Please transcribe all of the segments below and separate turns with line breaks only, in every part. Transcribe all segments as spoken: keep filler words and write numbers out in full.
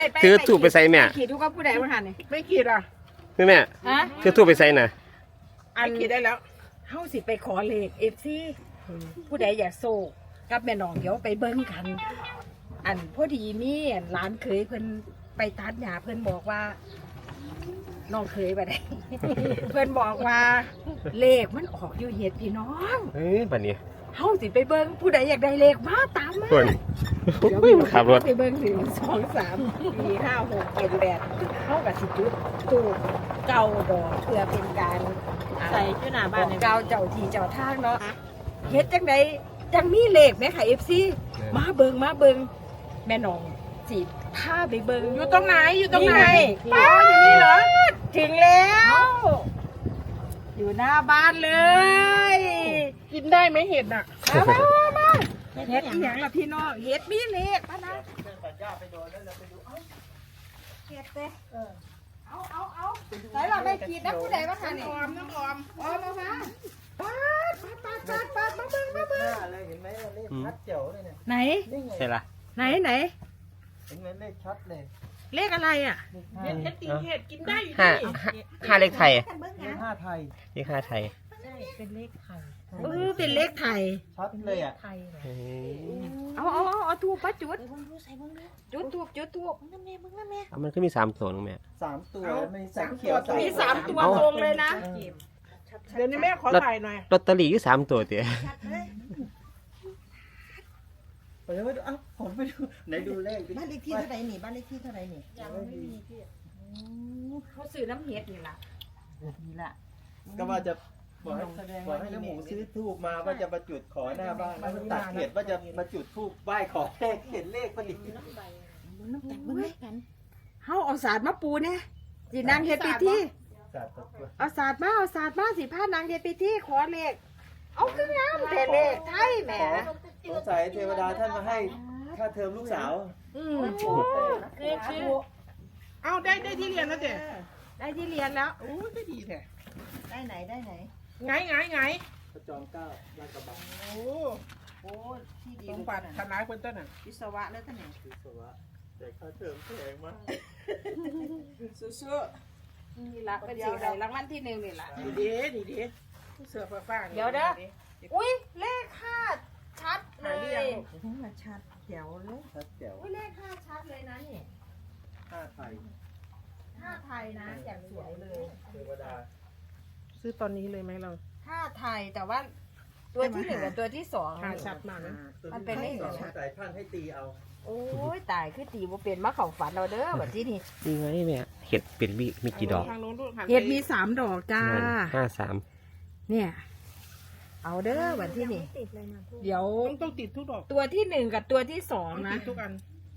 ถือถูกไปใส่แม่
ขีดทุกก็ผู้ใดมาหันนี่
ไม่ขีดอ่ะ
คือแม่
ฮะ
ถือถูกไปใส่น่ะ
อันขีดได้แล้ว
เฮาสิไปขอเลขเอฟซีผู้ใดอยากโซกับแม่น้องเดี๋ยวไปเบิ้งกัน อันพอดีมีอันร้านเคยเพิ่นไปตัดหญ้าเพิ่นบอกว่าน้องเคยไปได้ เพิ่นบอกว่าเลขมันออกอยู่เฮ็ดพี่น้อง
เอ้ยบัดนี้
เฮาสิไปเบิ่งผู้ใดอยากได้เลขมาตามมา
คน
เดี๋ยว
ขับรถ
ไปเบิ่งหนึ่งสองสามสี่ห้าหกเจ็ดแปดเฮากับสิจุดตูดเก่าดอกเพื่อเป็นการอ่า
ใส่ชื่อหน้า
บ
บ้า
อน ก
เลย
เก่าเจ้าที่เจ้าทางเนาะเฮ็ดจังไดจังมีเลขไหมค่ะ เอฟ ซี มาเบิ่งมาเบิ่งแม่น้องสิพาไปเบิ่ง
อยู่ตรงไหนอยู่ตรงไหน
ป้าอยู่นี่เหรอถึงแล้ว อยู่หน้าบ้านเลย
กินได้ไหมเห็ดอ่ะ
มามามาเฮ็ดอีหยังล่ะพี่น้องเฮ็ดมีเลขปะนะเฮ็ดเด้เออเอาเอาเอาไหนล่ะไม่ขีดนะผู้ใดวะค่ะนี่
ออมน้ำออม
ออมมามาปาดปาดปาดปาดปาดมาเบิ่งมาเบิ่ง
เลยเห็นไหมเลขชัดเจ๋วเลยเนี่ย
ไหน
นี่ไง
ใช่ละ
ไหนไหน
เห็นไหมเลขชัดเลย
เลขอะไรอ่ะ
เห็ดเห็ดตีเห็ดกินได้อยู่
ห้า
ดิ
ห้าห้าเลขไทย
เลขห้าไทย
เลขห้าไทย
เป็นเลขไทย
เออเป็นเลขไทย
ชัดเลยอ่ะ
ไทยเหรอ
เอ้ย
เอาเอาเอาเอาทูบปะจุด
ใส่เบิ้งดูใส่เบิ้งดู
จุดทูบจุดทูบ
มึงนั่นแม่มึงนั่นแม่
เอามันก็มีสามตัวนึงแม่
สามตัวมีแสงเขียวใส่
มีสามตัว
เอา
ตรงเลยนะ
เดี๋ยวนี้แม่ขอถ่ายหน่อย
ลอตเตอรี่อยู่สามตัวเตี๋ย
ไปดูเอ้าผมไปดูไหนดูเลขดิ
บ้านเลขที่เท่าไหร่นี่บ้านเลขที่เท่าไหร่นี่
ยังไม่มีพี่
เขาซื้อน้ำเฮ็ดนี่ล่ะ
นี่ละ
ก็ว่าจะบอกให้บอกให้น้ำหมูซื้อทูบมาว่าจะมาจุดขอหน้าบ้านแล้วมันตัดเหตุว่าจะมาจุดทูบไหว้ขอเลขเห็นเลขพอดี
น้ำกันเบิ่งกัน
เฮาเอาศาสตร์มาปูเนี่ยสินางเฮ็ดพิธี
จัดตัว
เอาศาสตร์มาเอาศาสตร์มาสิพานางเฮ็ดพิธีขอเลขเอาคืองามแต่เลขไทยแหม
สงสัยเทวดาท่านมาให้ค่าเทอมลูกสาว
อืม
เลขชื่อ
เอาได้ได้ที่เรียนแล้วเจ๊
ได้ที่เรียนแล้ว
โอ้ยได้ดีแท้
ได้ไหนได้ไหน
ไงไงไง
พระจอมเกล้าลาดกระบัง
โอ้
โอ้ที่ดี
สมบัติทนายคนต้นน่ะ
วิศวะแล้วท่านไหน
วิศวะแต่ค่าเทอมแพงมาก
สู้
นี่ล่ะเป็นสิได้รางวัลที่หนึ่งนี่ล่ะ
ๆดีเด้ดีเด้เสือฟ้าฟ้า
เดี๋ยวเด้อ อุ้ยเลขห้าชัดเล
หาย เรียง
ถึงมาชัดแถวเลย
ชัดแจ๋ว
อุ้ยเลขห้าชัดเลยนะนี่
ห้าไทย
ห้าไทยนะอย่างสวยเลย
เทวดา
ซื้อตอนนี้เลยไหมเรา
ห้าไทยแต่ว่าตัวที่หนึ่งกับตัวที่สอง
หาชัดมากนะ
มันเป็นเลข
ส
อะ
อง
ไร
สายท่านให้ตีเอา
โอ้ยตายคือตีบ่เป็นมาของฝันเราเด้อแบบที่นี่
นี่ไงแม่เห็ดเป็นมีมีกี่ดอก
ทางโน้นดูหันไป
เห็ดมีสามดอกจ้า
ห้าสาม
เนี่ย เอาเด้อแบบที่นี่
ติดเลยนะพูด
เดี๋ยว
ต้องต้องติดทุกดอก
ตัวที่หนึ่งกับตัวที่สอง
ต้อง
นะ
ติดทุกอัน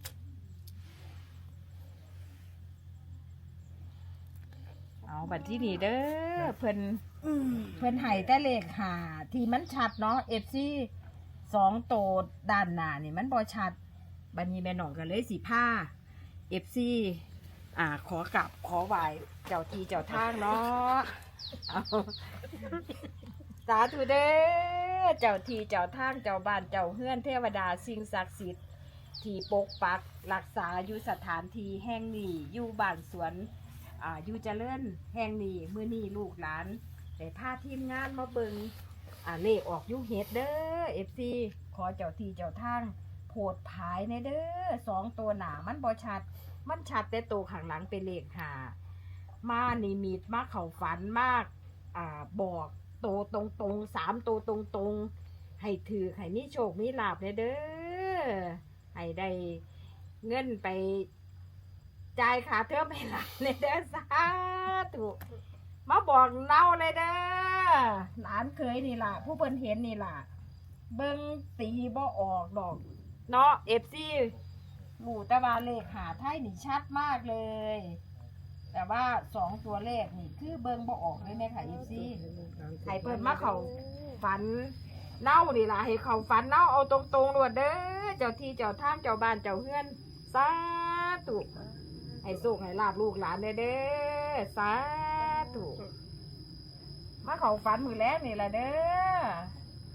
เอาแบบที่นี่เด้อเพิ่นเพิ่นไห้แต่เลขหาที่มันชัดเนาะเอฟซีสองโตดด้านหน้านี่มันบอชัดบันนี้แม่หน่องกันเลยสีผ้าเอฟซีอ่าขอกลับขอไหวเจ้าทีเจ้าทางเนาะเอาสาธุเด้อเจ้าทีเจ้าทางเจ้าบ้านเจ้าเฮือนเทวดาสิ่งศักดิ์สิทธิ์ที่ปกปักรักษาอยู่สถานที่แห่งนี้อยู่บ้านสวนอ่าอยู่เจริญแห่งนี้มื้อนี้ลูกหลานได้พาทีมงานมาเบิงอ่าเลขออกอยุเฮ็ดเด้อเอฟซีขอเจ้าทีเจ้าทางโพดผายในเด้อสองตัวหนามันบ่ชัด มันชัดแต่ตัวข้างหลังเป็นเลขหามานิมิตมาเข่าฝันมากอ่าบอกโตวตรงตรงๆสามตัวตรงตรงๆให้ถือให้มีโชคมีลาบเด้อให้ได้เงินไปจ่ายค่าเทอมให้หลานเลยเด้อสาธุมาบอกเน่าเลยเด้อหลานเคยนี่ล่ะผู้เพิ่นเห็นนี่ล่ะเบิ่งตีบ่ออกดอกเนาะเอฟซีหมู่แต่ว่าเลขหาไทยนี่ชัดมากเลย แต่ว่าสองตัวเลขนี่คือเบิ่งบ่ออกเลยแม่ค่ะเอฟซีให้เพิ่นมาเขาฝันเน่านี่ล่ะให้เขาฝันเน่าเอาตรงๆรวดเด้อเจ้าที่เจ้าทางเจ้าบ้านเจ้าเฮือนสาธุให้สุขให้ลาบลูกหลานเด้อเด้อสาธุมาเขาฝันมือแรกนี่ล่ะเด้อ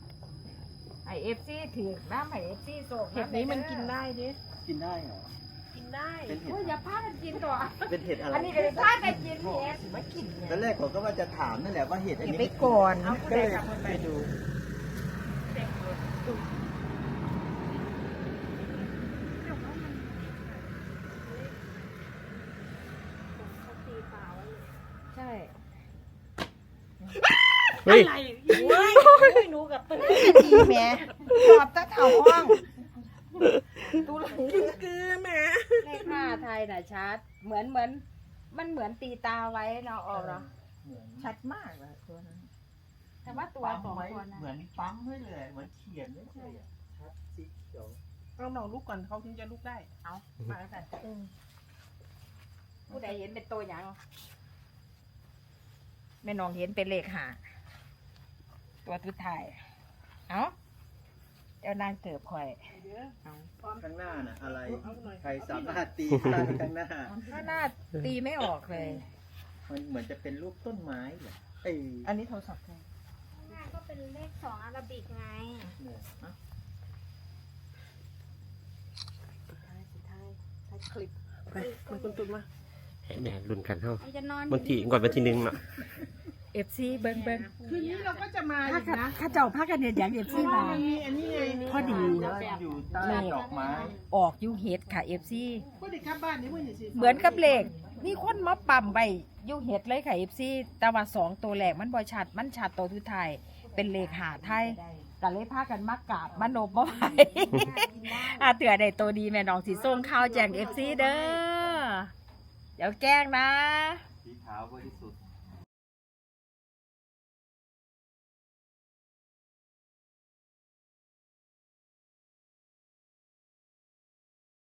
ให้เอฟซีถือน้ำให้เอฟซีโศก
เห็ดนี้มันกินได้ดิ
กินได้เหรอ
กินได้
เป็นเห็
โอ้ย
ด
อย่าพากันกินตัว
เป็นเห็ดอะไร
อันนี้ก็เลยพากันกินเห็ด
มากินเนี่ย
ตอนแรกผมก็ว่าจะถามนั่นแหละว่าเห็ดอัน
อย่า
นี้
ไปก่อน
ก็เลยไปดู
เขาตีเปล่าไว้เลย
ใช่
เฮ้ย
อะไรเว้ยไม่หนูกับปืน
ดีแม่ตอบตั้งเอาห้อง
ตู้หลัง
คือแม่
เลขห้าไทยน่ะชัด เหมือนเหมือน มันเหมือนตีตาไว้เนาะออกเนาะ
ชัดมากเลยตัวนั้น
แต่ว่าตัว
ปั๊ม
สอง
ไว้
คนนะ
เหมือนปั๊มไว้เลยเหมือนเขียนไว้เลยอะชัดสีเขียว
เราลองลุกก่อนเขาถึงจะลุกได้
เอามาแล้วกันผู้ใดเห็นเป็นตัวหยังแม่น้องเห็นเป็นเลขห้าตัวทุดท้ายเอาเจ้านางเกิบข่อยเอา
ข้างหน้าน่ะอะไร ใครสามารถตีได้ข้างหน้า
ถ้าหน้าตีไม่ออกเลย
มันเหมือนจะเป็นรูปต้นไม้เหรอเอ้ย
อันนี้โทรศัพท์ใคร
หน้าก็เป็นเลขสองอาราบิกไง
เนี่ย
สุดท้ายสุดท้ายท้ายคลิป
ไปมันคุณตุนมา
ให้แม่ลุ้นกันเท่า
มันจะนอน
วันที่ก่อนวันที่หนึ่งเนาะ
เอฟซีเบิ้งเบิ้ง
คืนนี้เราก็จะมา
ถ้า
อีกนะ
ข้าเจ้าพากันเนี่ยอย่างเอฟ
เพ
ซี
ราะว่า
มา
มันมีอันนี้ไง
พอดี
ว่าอยู่ใต้ดอกไม้
ออกอยูเฮดค่ะเอฟซี
ก็ได้กลับบ้านนี่เมื่อสิ
เหมือนกับเลขมีคนมาปั๊มไปอยูเฮดเลยค่ะเอฟซีแต่ว่าสองตัวแรกมันบอชัดมันชัดตัวทุดท้ายเป็นเลขหาไทยก็เลยพากันมากราบมาโนบบ่ไหว อาเตือได้ตัวดีแม่น้องสีส้มข้าวแจงเอฟซีเด้อเดี๋ยวแกล้งนะ
สีขาวบริ